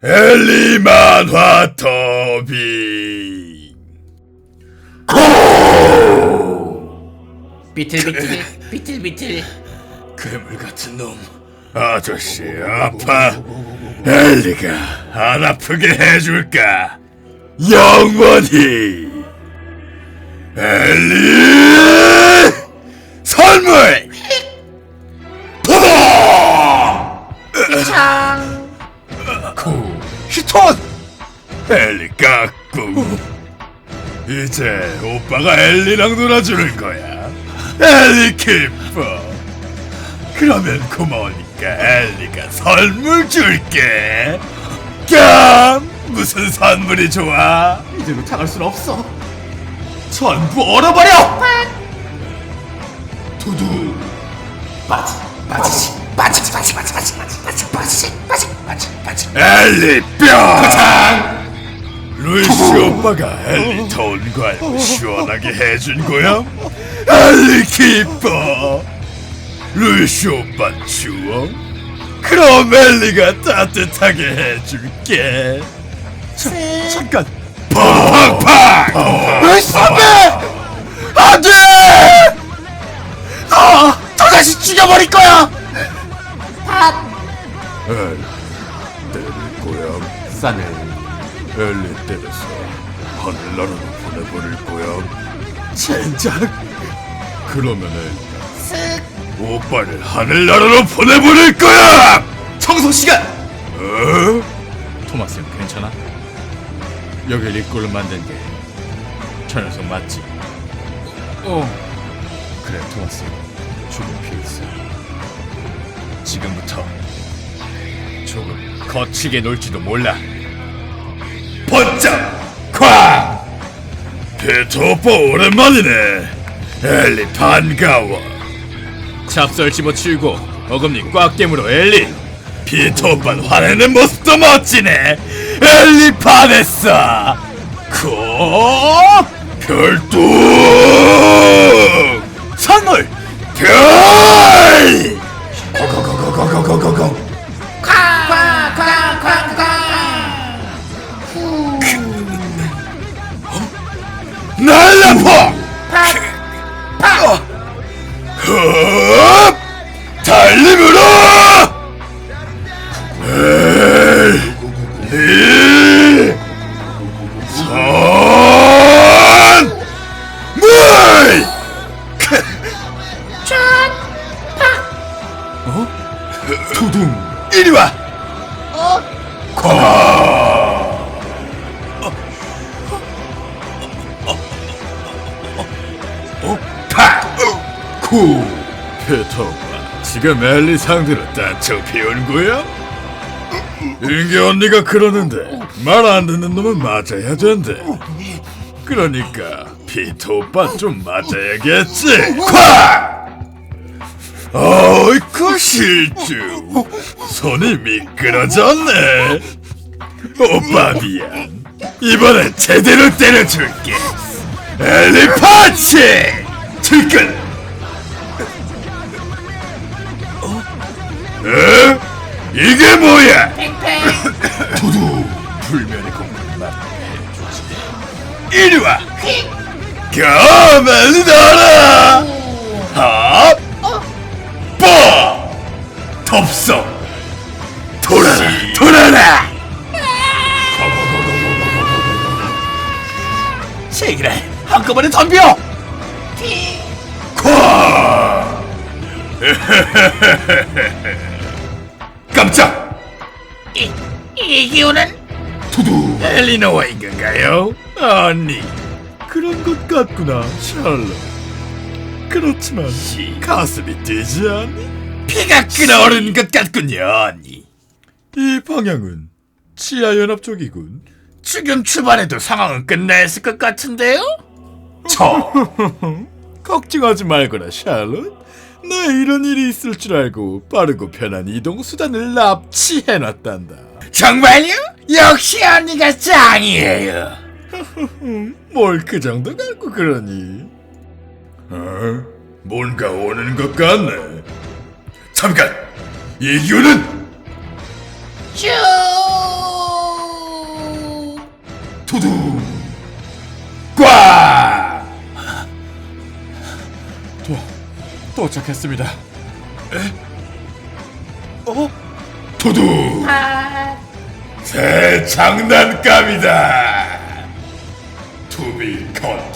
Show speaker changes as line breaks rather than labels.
엘리 만화 더빙.
비틀비틀
괴물 같은 놈. 아저씨 아파. 엘리가 안 아프게 해줄까? 영원히. 엘리 선물.
창
히톤. 엘리 깍꿍. 이제 오빠가 엘리랑 놀아주는 거야. 엘리 기뻐. 그러면 고마우니까 엘리가 선물 줄게. 깜! 무슨 선물이 좋아?
이대로 당할 순 없어. 전부 얼어버려.
두두.
빠지지.
엘리 뼈. 루이스 오빠가 엘리 더운 거 알고 시원하게 해준 거야? 엘리 기뻐. 루이스 오빠 추워? 그럼 엘리가 따뜻하게 해줄게. 잠깐. 팡팡팡. 루이스 선배! 안 돼! 저 자식 죽여버릴 거야! 엘리 때릴 거야.
싸늘
엘리 때려서 하늘나라로 보내버릴 거야. 젠장. 그러면은 오빠를 하늘나라로 보내버릴 거야.
청소 시간.
토마스 형 괜찮아? 여길 입구를 만든 게 저 녀석 맞지? 그래 토마스 형 죽을 필요 있어. 지금부터 조금 거치게 놀지도 몰라.
번쩍 쾅. 피터 오빠 오랜만이네. 엘리 반가워.
잡설 집어치우고 어금니 꽉 깨물어 엘리.
피터 오빠는 화내는 모습도 멋지네. 엘리 반했어. 별똥 선물 별. 고고고고고고고고. 날라포. 흡. 달림으로. 엘리 선물. 두둥. 이리 와. 구. 피터 오빠 지금 엘리 상대로 다쳐 피운 거야? 인기 언니가 그러는데 말 안 듣는 놈은 맞아야 된대. 그러니까 피터 오빠 좀 맞아야겠지. 콱! 어이쿠 실주. 손이 미끄러졌네. 오빠 미안. 이번엔 제대로 때려줄게. 엘리 펀치. 들끈. 에? 이게 뭐야? 두두. 불면의 공격을 해주지. 이리 와. 가만히 놔라. 합. 뽀. 덥석. 돌아라.
제기를 한꺼번에 덤벼.
콱. 깜짝.
이 기운은
두두. 엘리노와인 건가요? 아니 그런 것 같구나 샬롯. 그렇지만 가슴이 뛰지 않니? 피가 끓어오르는 것 같군요 언니. 이 방향은 치아연합 쪽이군. 지금 출발해도 상황은 끝나 있을 것 같은데요? 걱정하지 말거라 샬롯. 나 이런 일이 있을 줄 알고 빠르고 편한 이동 수단을 납치해놨단다. 정말요? 역시 언니가 짱이에요. 뭘 그 정도 갖고 그러니? 뭔가 오는 것 같네. 잠깐! 이 기운은
쭉
도착했습니다.
도둑! 새 장난감이다! 투비 컷